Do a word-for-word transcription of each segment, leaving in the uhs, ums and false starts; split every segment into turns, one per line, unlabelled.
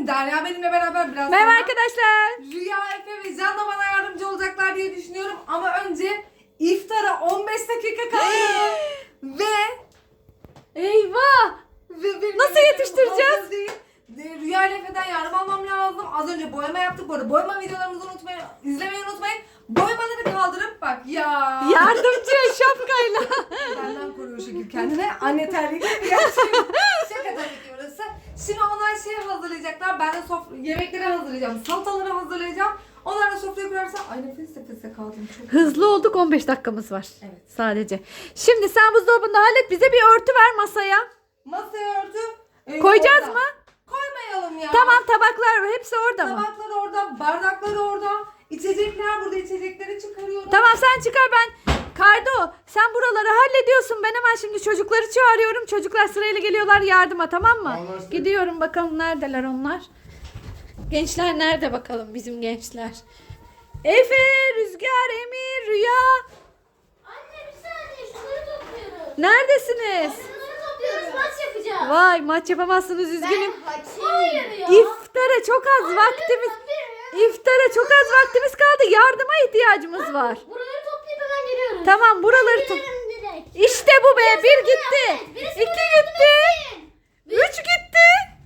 Derya benimle beraber biraz
Merhaba
sonra
arkadaşlar.
Rüya, Efe ve Can da bana yardımcı olacaklar diye düşünüyorum. Ama önce iftara on beş dakika kaldı. ve
Eyvah.
ve benim
Nasıl
yemeklerim
yetiştireceğiz?
hazır değil. De- Rüya ile Efe'den yardım almam lazım. Az önce boyama yaptık. Bu arada boyama videolarımızı unutmayın. İzlemeyi unutmayın. Boyamaları kaldırıp bak ya.
Yardımcı şapkayla.
Benden koruyor o şekil kendine. Anne terliği gibi gerçekten. Şaka tabii ki burası. Şimdi onlar şey hazırlayacaklar. Ben de sofra, yemekleri hazırlayacağım. Salataları hazırlayacağım. Onlar da sofraya kurarsa ay nefes nefese kaldım. Çok
Hızlı olduk, on beş dakikamız var.
Evet.
Sadece. Şimdi sen buzdolabında hallet, bize bir örtü ver masaya.
Masaya örtü. e,
Koyacağız
orada.
mı?
Koymayalım ya.
Tamam, tabaklar hepsi orada mı?
Tabaklar orada, bardaklar orada. İçecekler burada, içecekleri çıkarıyorum.
Tamam, sen çıkar, ben Kardo sen buraları hallediyorsun, ben hemen şimdi çocukları çağırıyorum, çocuklar sırayla geliyorlar yardıma, tamam mı?
Anlaştık.
Gidiyorum, bakalım neredeler onlar. Gençler nerede bakalım, bizim gençler? Efe, Rüzgar, Emir, Rüya
Anne bir saniye şunları topluyoruz.
neredesiniz?
Şunları topluyoruz maç yapacağız.
Vay, maç yapamazsınız, üzgünüm.
Hayır ya.
İftara çok az vaktimiz. İftara çok az vaktimiz kaldı. Yardıma ihtiyacımız var.
Buraları toplayıp hemen geliyoruz.
Tamam, buraları to-
Gelirim direkt.
İşte bu be. Bir gitti.
Birisi
İki
bana yardım
gitti.
etsin.
Üç gitti.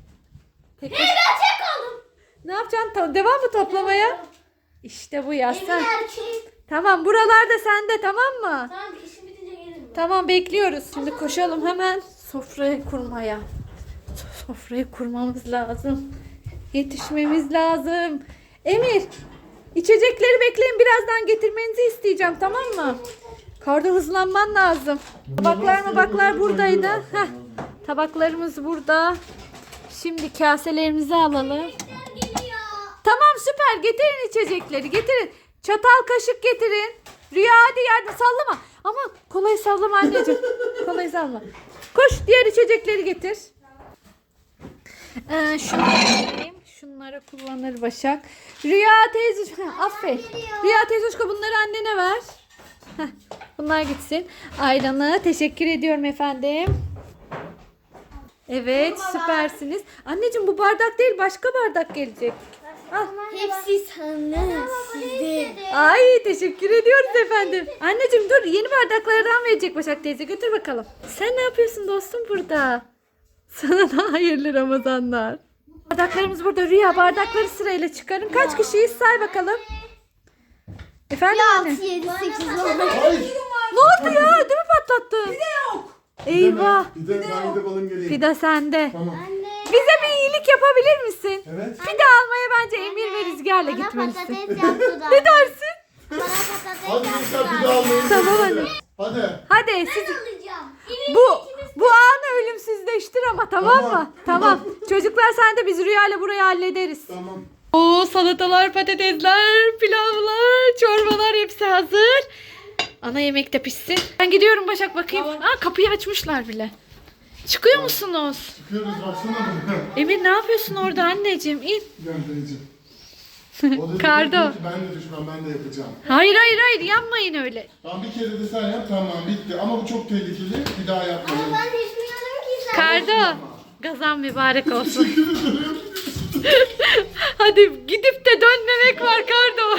Tek
Hey ben tek kaldım.
Ne yapacaksın? Ta- Devam mı toplamaya? İşte bu ya
Emin
sen.
erkek.
Tamam, buralarda sende, tamam mı?
Tamam işim bitince gelirim.
Tamam, bekliyoruz. Şimdi koşalım hemen sofrayı kurmaya. Sofrayı kurmamız lazım. Yetişmemiz lazım. Emir, içecekleri bekleyin. Birazdan getirmenizi isteyeceğim, tamam mı? Karda hızlanman lazım. Tabaklar mı baklar buradaydı. Heh, tabaklarımız burada. Şimdi kaselerimizi alalım.
Geliyor.
Tamam, süper. Getirin içecekleri. Getirin. Çatal kaşık getirin. Rüya hadi yardım, sallama. Ama kolayı sallama anneciğim. Kolayı sallama. Koş, diğer içecekleri getir. Ee, şunları vereyim. Şunları kullanır Başak. Rüya teyze, Heh, aferin. Rüya teyze bunları annene ver. Heh, bunlar gitsin. Ayranı teşekkür ediyorum efendim. Evet, süpersiniz. Anneciğim bu bardak değil, başka bardak gelecek. Al.
Hepsi sana sizde.
Ay, teşekkür ediyoruz efendim. Anneciğim dur, yeni bardaklardan verecek Başak teyze, götür bakalım. Sen ne yapıyorsun dostum burada? Sana da hayırlı Ramazanlar. Bardaklarımız burada. Rüya, bardakları sırayla çıkarın. Kaç kişiyiz say bakalım. Efendim anne?
altı, yedi, sekiz, on.
Ay.
Ne oldu ya? Ödümü patlattın.
Bir de yok.
Eyvah.
Bir de ben gidip alayım geleyim.
Fida sende.
Tamam.
Bize bir iyilik yapabilir misin?
Evet.
Fida almaya bence Emir ve Rüzgar'la
Bana
gitmelisin.
patates yaptılar.
Ne dersin?
Bana patates
Hadi
yaptılar.
gençler bir daha almayın.
Tamam anne.
Hadi.
Hadi siz
Alacağım.
bu bu anı ölümsüzleştir ama, tamam
Tamam.
mı? Tamam. Çocuklar sen de, biz Rüya'yla burayı hallederiz.
Tamam.
Oo, salatalar, patatesler, pilavlar, çorbalar hepsi hazır. Ana yemek de pişsin. Ben gidiyorum Başak, bakayım. Aa, kapıyı açmışlar bile. Çıkıyor musunuz?
Çıkıyoruz baksana buraya.
Emir ne yapıyorsun orada anneciğim? İn.
Gel dayıcım. O da
Kardo.
diyor ki, ben de düşmem, ben de yapacağım.
Hayır hayır hayır, yanmayın öyle.
Tamam bir kere de sen yap, tamam bitti. Ama bu çok tehlikeli, bir daha yapmayın.
Ben de bilmiyorum ki sen.
Kardo, gazan mübarek olsun. Hadi gidip de dönmemek var Kardo.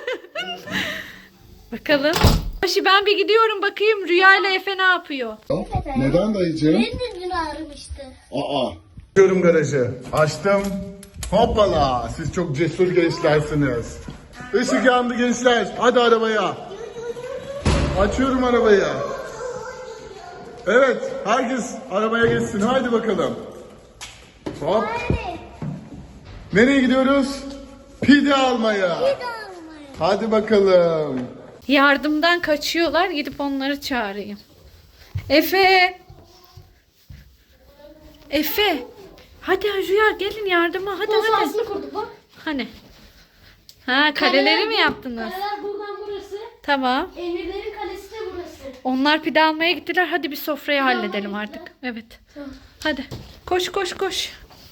Bakalım. Başı ben bir gidiyorum bakayım Rüya ile Efe ne yapıyor.
Neden dayıcığım?
Benim de dün ağrımıştı.
Aa. Açıyorum garajı. Açtım. Hoppala. Siz çok cesur gençlersiniz. Işık yandı gençler. Hadi arabaya. Açıyorum arabayı. Evet. Herkes arabaya geçsin. Haydi bakalım. Hop.
Hadi.
Nereye gidiyoruz? Pide almaya.
Bir daha almayın.
Hadi bakalım.
Yardımdan kaçıyorlar, gidip onları çağırayım. Efe. Efe. Hadi Rüya gelin yardıma, hadi
Kol
hadi.
sahasını kurduk bak.
Hani? Ha, kaleleri mi yaptınız?
Kaleler buradan burası.
Tamam.
Emirlerin kalesi de burası.
Onlar pide almaya gittiler. Hadi bir sofrayı halledelim artık. Evet.
Tamam.
Hadi. Koş koş koş.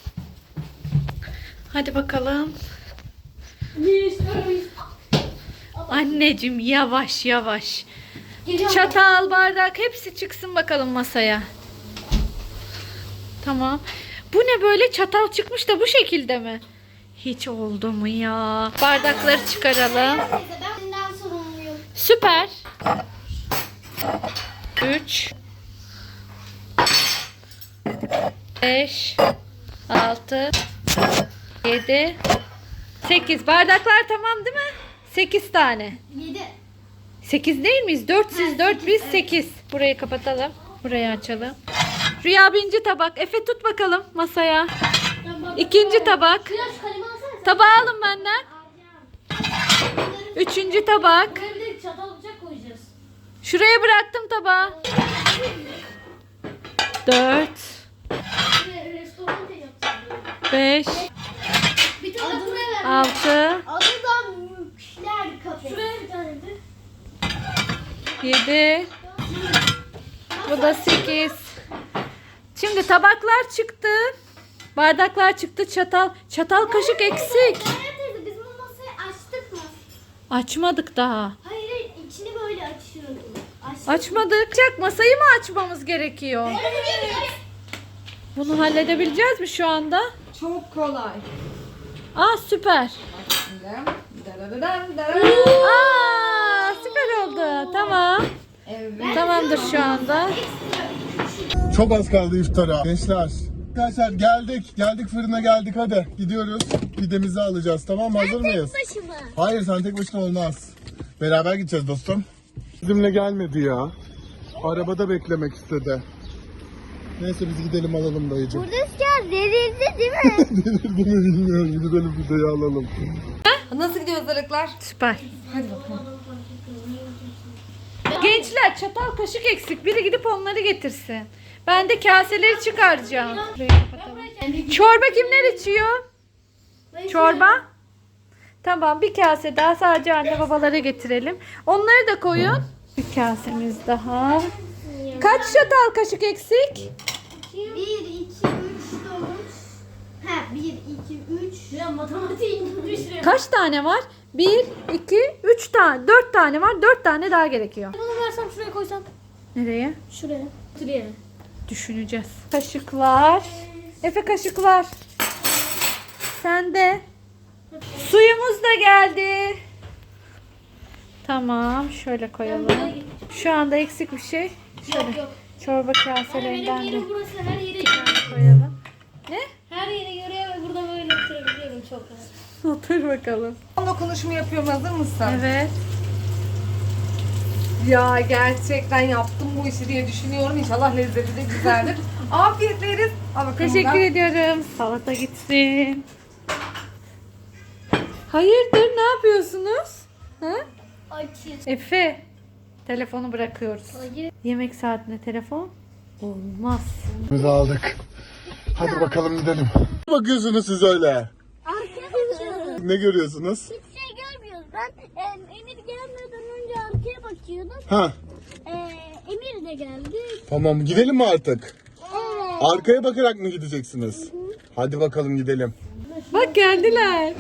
Hadi bakalım.
Biz örüyoruz.
Anneciğim yavaş yavaş.
Geliyorum.
Çatal, bardak hepsi çıksın bakalım masaya. Tamam. Bu ne böyle, çatal çıkmış da bu şekilde mi? Hiç oldu mu ya? Bardakları çıkaralım.
Teyze ben bundan sorumluyum.
Süper. üç beş altı yedi sekiz. Bardaklar tamam değil mi? sekiz tane.
Yedi.
sekiz değil miyiz? dört siz, dört biz, sekiz. Burayı kapatalım. Burayı açalım. Rüya birinci tabak. Efe tut bakalım masaya. İkinci tabak.
Biraz kalemi alsana sen.
Tabağı alın benden. Üçüncü tabak.
Buraya bir de çatal bıçak koyacağız.
Şuraya bıraktım tabağı. Dört,
Buraya restoran da yapacağız.
beş,
Bir tane de buraya ver.
altı,
Adı da Mükler Kafe. Şuraya bir tane de.
yedi. Bu da sekiz. Şimdi tabaklar çıktı. Bardaklar çıktı. Çatal. Çatal kaşık eksik.
Meryem teyze biz bu masayı açtık mı?
Açmadık daha.
Hayır hayır içini böyle açıyorum. Açtık.
Açmadık. Çak, masayı mı açmamız gerekiyor? Bunu halledebileceğiz mi şu anda?
Çok kolay.
Aa, süper.
Darararım, darararım.
Aa, süper oldu. Tamam.
Evet.
Tamamdır şu anda.
Çok az kaldı iftara. Gençler. Arkadaşlar geldik. Geldik fırına geldik hadi. Gidiyoruz. Pidemizi alacağız tamam mı? Hazır mıyız?
Başıma.
Hayır sen tek başına olmaz. Beraber gideceğiz dostum. Bizimle gelmedi ya. Arabada beklemek istedi. Neyse biz gidelim alalım dayıcım.
Rüzgar delirdi değil mi?
Delirdi mi bilmiyorum. Gidelim pideyi alalım.
Nasıl gidiyor hazırlıklar?
Süper.
Hadi bakalım.
Gençler, çatal kaşık eksik. Biri gidip onları getirsin. Ben de kaseleri çıkaracağım. Şurayı kapatalım. Çorba kimler içiyor? Çorba? Tamam, bir kase daha sadece anne babalara getirelim. Onları da koyun. Bir kasemiz daha. Kaç çatal kaşık eksik?
Bir, iki, üç, dört. Ha, bir, iki, üç. Ya matematiğin düşürüyor.
Kaç tane var? Bir, iki, üç tane. Dört tane var. Dört tane daha gerekiyor.
Bunu versem şuraya koysam.
Nereye?
Şuraya. Şuraya.
Düşüneceğiz. Kaşıklar. Efe, kaşıklar. Sende. Suyumuz da geldi. Tamam, şöyle koyalım. Şu anda eksik bir şey. Şöyle
Yok yok.
çorba
Benim
kaselerinden de
yerim burası, her yere
koyalım. Ne?
her yere göre burada böyle oturabiliyorum çok rahat.
Otur bakalım.
Son dokunuşumu yapıyorum, hazır mısın?
Evet.
Ya gerçekten yaptım bu işi diye düşünüyorum. İnşallah lezzeti de güzeldir. Afiyetle yeriz. Al bakalım
Teşekkür
buradan.
ediyorum. Salata gitsin. Hayırdır, ne yapıyorsunuz? Ha?
Açız.
Efe, telefonu bırakıyoruz.
Hayır.
Yemek saatinde telefon olmaz.
Biz aldık. Hadi bakalım gidelim. Ne bakıyorsunuz siz öyle?
Arkaya bakıyorum.
Ne görüyorsunuz?
Hiçbir şey görmüyoruz. Ben e, Emir gelmeden önce arkaya bakıyordum.
Ha,
E, Emir de geldi.
tamam gidelim mi artık?
Evet.
Arkaya bakarak mı gideceksiniz? Hadi bakalım gidelim.
Bak, geldiler.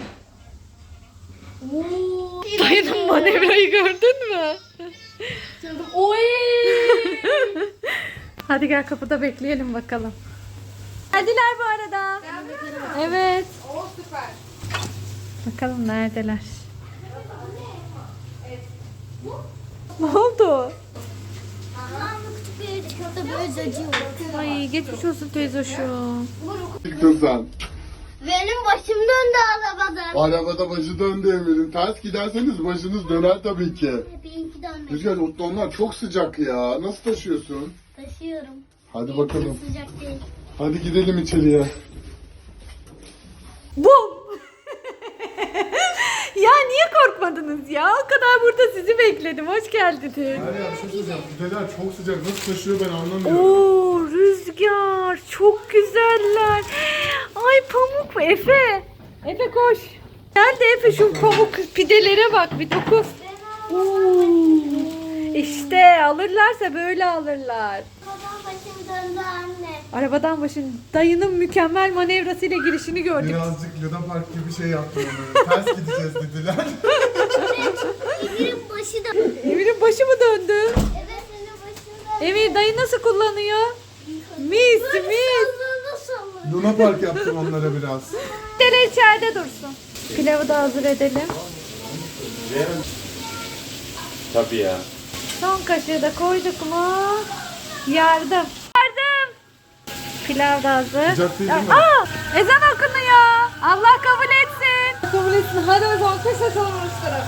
Dayının manevrayı gördün mü?
Oy.
Hadi gel, kapıda bekleyelim bakalım. Geldiler bu arada. Evet.
Oo süper.
Bakalım neredeler? Ne oldu?
Şurada böyle acıyor.
Ay, geçmiş olsun teyzoşum.
Kızdan.
Benim başım döndü arabadan.
Arabada başı döndü Emir'in. Ters giderseniz başınız döner tabii ki.
Benimki dönmedi.
Rüzgar onlar çok sıcak ya. Nasıl taşıyorsun?
Taşıyorum.
Hadi bakalım.
Sıcak değil.
Hadi gidelim içeriye.
Bum! Ya niye korkmadınız ya? O kadar burada sizi bekledim. Hoş geldiniz.
Her yer çok sıcak. Pideler çok sıcak. Nasıl taşıyor ben anlamıyorum.
Oo, Rüzgar. Çok güzeller. Ay, pamuk mu? Efe. Efe koş. Gel de Efe şu pamuk pidelere bak bir dokuz. Oo. İşte alırlarsa böyle alırlar.
Babam başım döndü anne.
Arabadan başın dayının mükemmel manevrasıyla girişini gördük.
Birazcık Luna Park gibi şey yaptım onları. Ters gideceğiz dediler.
Emir'in başı döndü.
Emir'in başı mı döndü?
Evet senin başın döndü.
Emir, dayı nasıl kullanıyor? Mis mis.
Sallana sallana.
Luna Park yaptım onlara biraz.
Dere içeride dursun. Pilavı da hazır edelim.
Tabii ya.
Son kaşığı da koyduk mu? Yardım. Yardım. Pilav da hazır.
Sıcak değil değil mi?
Aa, ezan okunuyor. Allah kabul etsin.
Kabul etsin. Hadi o zaman kış atalım uçlara.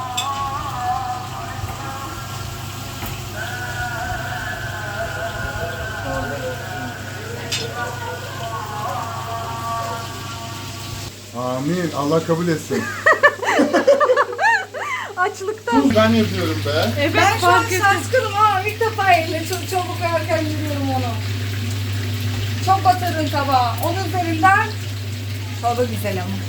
Amin. Allah kabul etsin.
Açlıktan.
Dur ben yapıyorum be.
Evet
Ben şu an
fark ettim.
şaşkınım ha. İlk defa eline çok çabuk erken yürüyorum onu. Çok batırdın tabağa. Onun üzerinden çorba güzel ama.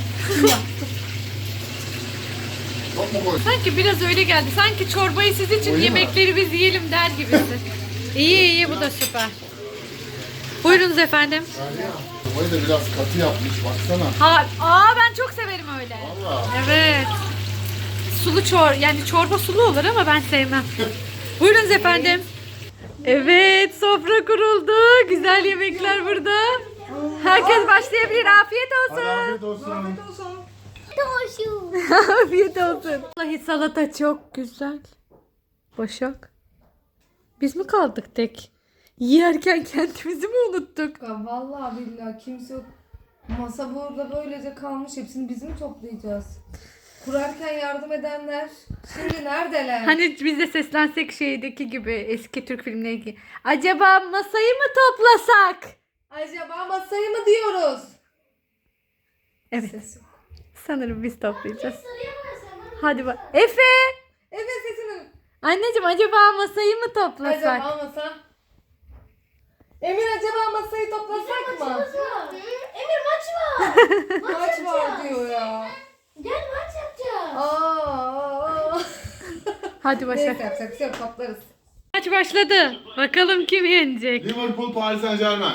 Çok mu koy?
Sanki biraz öyle geldi. Sanki çorbayı siz için,
Öyle mi?
yemekleri biz yiyelim der gibisin. İyi iyi, bu da süper. Buyurunuz efendim.
Sobayı da biraz katı yapmış baksana.
Ha, aa ben çok severim öyle.
Valla.
Evet. Sulu çor, yani çorba sulu olur ama ben sevmem. Buyurunuz efendim. Evet, sofra kuruldu. Güzel yemekler burada. Herkes başlayabilir. Afiyet
Hadi
olsun.
afiyet olsun.
Afiyet olsun.
Doğuşu.
Afiyet olsun. Vallahi salata çok güzel. Başak. Biz mi kaldık tek? Yerken kendimizi mi unuttuk?
Ya vallahi billahi kimse yok. Masa burada böylece kalmış. Hepsini biz mi toplayacağız? Kurarken yardım edenler şimdi neredeler?
Hani biz de seslensek şeydeki gibi, eski Türk filmleri. Acaba masayı mı toplasak?
Acaba masayı mı diyoruz?
Evet.
Ses yok.
Sanırım biz toplayacağız. Hadi bak. Efe!
Evet sesini.
Anneciğim, acaba masayı mı toplasak?
Acaba masa? Emir acaba masayı toplasak mı?
Emir maç var.
Kaç var diyor ya.
Gel maç yapacağız.
Aa.
Hadi Başak.
Neyse yapacak bir şey yok, toplarız.
Maç başladı. Bakalım kim yenecek?
Liverpool Paris Saint Germain.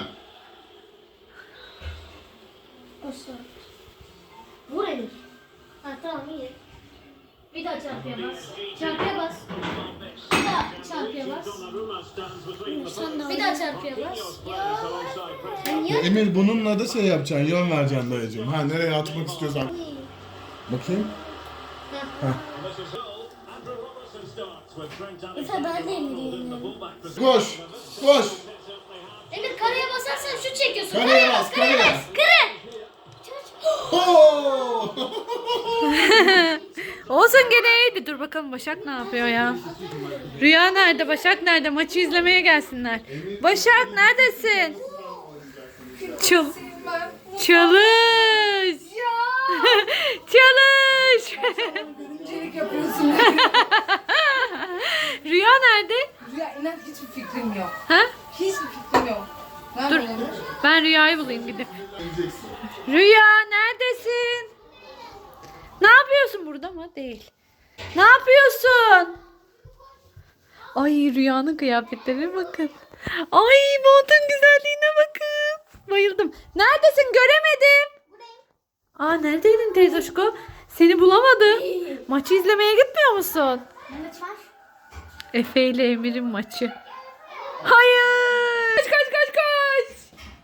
Koşun. Vur Emir. Ha tamam iyi. Bir daha çarpıya bas. Çarpıya bas. Bir daha çarpıya bas. Bir daha çarpıya bas. Ya.
Emir bununla da şey yapacaksın, yön vereceksin dayıcığım. Ha nereye atmak istiyorsan. Bakayım.
Mesela ben de Emir'i yeniyorum.
Koş, koş.
Emir kareye basarsan şut çekiyorsun.
Kareye bas, kareye bas.
Kare.
Oo!
Olsun, gene iyiydi. Dur bakalım Başak ne yapıyor ya? Rüya nerede? Başak nerede? Maçı izlemeye gelsinler. Başak neredesin? Çal
Ben
çalış. Çalış.
görümcelik yapıyorsun.
Rüya nerede?
Ya inan hiçbir fikrim yok.
Ha?
Hiçbir fikrim yok. Ne
Dur.
yapalım?
Ben Rüya'yı bulayım gidip. Rüya neredesin? Ne yapıyorsun burada mı? Değil. Ne yapıyorsun? Ay, Rüya'nın kıyafetlerine bakın. Ay, montun güzelliğine bakın. Bayıldım. Neredesin? Göremedim. Aa, neredeydin teyzoşko? Seni bulamadım. Maçı izlemeye gitmiyor musun?
Maç var.
Efe ile Emir'in maçı. Hayır. Kaç kaç kaç kaç.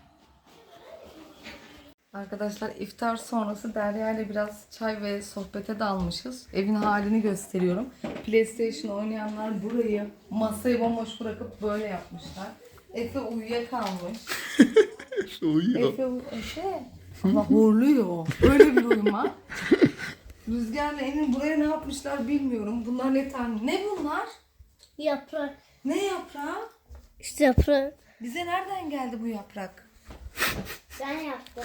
Arkadaşlar iftar sonrası Derya ile biraz çay ve sohbete dalmışız. Evin halini gösteriyorum. PlayStation oynayanlar burayı, masayı bomboş bırakıp böyle yapmışlar. Efe uyuyakalmış.
İşte uyuyor.
Efe, Efe. Ama horluyor. Öyle bir uyuma. Rüzgar'la Emin buraya ne yapmışlar bilmiyorum. Bunlar ne tane? Ne bunlar?
Yaprak.
Ne yaprağı?
İşte yaprak.
Bize nereden geldi bu yaprak?
Ben yaptım.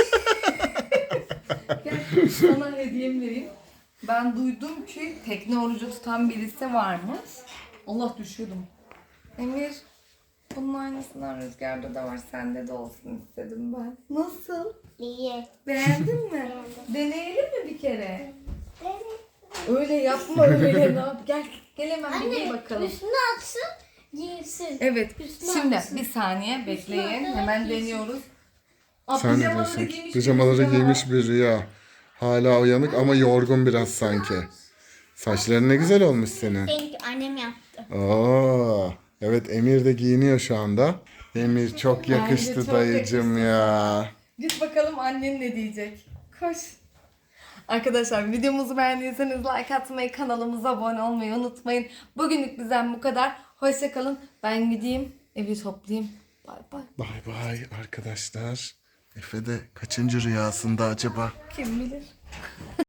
Gel sana hediyemi vereyim. Ben duydum ki tekne orucu tutan birisi varmış. Allah düşüyordum. Emir, bunun aynısından Rüzgar'da da var. Sende de olsun istedim ben. Nasıl?
İyi.
Beğendin mi? Deneyelim mi bir kere? Öyle yapma öyle. Ne yap? Gel, gel hemen bir giy bakalım.
Üstüne atsın, giysin.
Evet.
Üstüne
Şimdi
atsın.
bir saniye bekleyin.
Üstüne
Hemen
giysin.
deniyoruz. Aa,
Sen ne
pijamaları
diyorsun?
giymiş
Pijamaları
birisi
giymiş bir Rüya. Hala uyanık ama yorgun biraz sanki. Saçların ne güzel olmuş senin.
Çünkü annem yaptı.
Oo, evet Emir de giyiniyor şu anda. Emir çok yakıştı
çok
dayıcım ya.
Git bakalım annen ne diyecek. Koş. Arkadaşlar videomuzu beğendiyseniz like atmayı, kanalımıza abone olmayı unutmayın. Bugünlük bizden bu kadar. Hoşça kalın. Ben gideyim, evi toplayayım. Bay bay.
Bay bay arkadaşlar. Efe de kaçıncı rüyasında acaba?
Kim bilir?